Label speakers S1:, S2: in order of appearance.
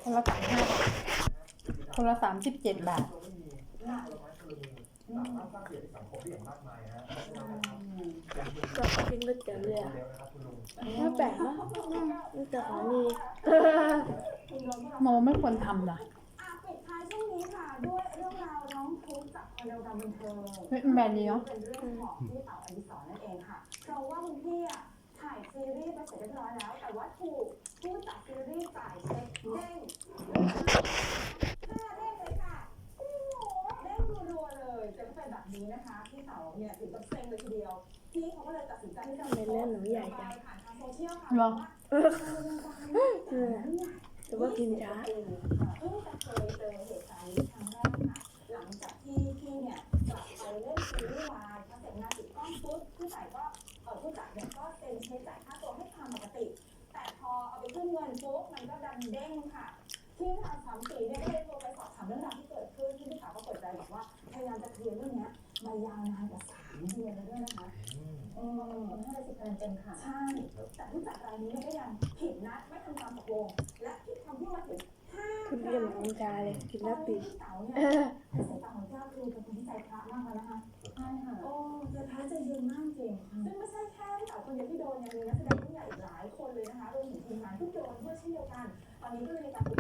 S1: คนละ35 บาทคนละ37 บาท
S2: ก็กินก๋วยเตี๋ยวเรือไม่แปลกนะนี่แต่ของมี
S1: โมไม่ควรทำนะ
S3: ปิดท้ายช่วงนี้ค่ะด้วยเรื่องราวน้องทุกข์จากคนในวงการบันเทิง
S1: เป็นแบบนี้เนาะ
S3: เป็นเรื่องของพี่เต๋าอดิศรนั่นเองค่ะเพราะว่าคุณพี่อ่ะถ่ายซีรีส์ไปเสร็จเรียบร้อยแล้วแต่ว่าถูกผู้จัดซีรีส์จ่ายเช็คเด้ง5 เด้งเลยค่ะจริงเหรอเด้งรัวๆเลยจะไม่เป็นแบบนี้นะคะพี่เต๋าเนี่ยถึงกับเซ็งเลยทีเดียวพี่เขาก็เลยตัดสินใจที่จะ
S2: ในเรื่องหนูใหญ่จัง
S3: ผ่านทางโซเชียลค่ะ
S1: เหรอ
S2: แต่ว่ากินช้า
S3: เพิ่งจะเคยเจอเหตุการณ์นี้ครั้งแรกค่ะหลังจากที่พี่เนี่ยกลับไปเล่นซีรีส์วายพอเสร็จงานติดกล้องปุ๊บผู้จัดเนี่ยก็เซ็นเช็คจ่ายค่าตัวให้ตามปกติ แต่พอเอาไปขึ้นเงินปุ๊บมันก็ดันเด้งค่ะทีมข่าว34เนี่ยก็เลยโทรไปสอบถามเรื่องราวที่เกิดขึ้นที่พี่สาวก็เปิดใจบอกว่าพยายามจะเคลียร์เรื่องนี้มายาวนานกว่า3 เดือนแล้วด้วยนะคะ50 เดือนเต็มค่ะใช่แต่ผู้จัดรายนี้ก็ยังผิดนัดไม่ทำตามตกลงและผิดคำพูดมาถึง
S2: คุณเรียนเหมือนน้ำชาเลยกินแล้วปิด
S3: เต๋าเนี่ยในสายตาของเจ้าคือเป็นคนที่ใจพระมากแล้วนะคะใช่ค่ะโอ้ใจพระใจเย็นมากจริงซึ่งไม่ใช่แค่พี่เต๋าคนเดียวที่โดนยังมีนักแสดงผู้ใหญ่อีกหลายคนเลยนะคะรวมถึงทีมงานทุกโดนด้วยเช่นเดียวกันตอนนี้ก็เลยมีการ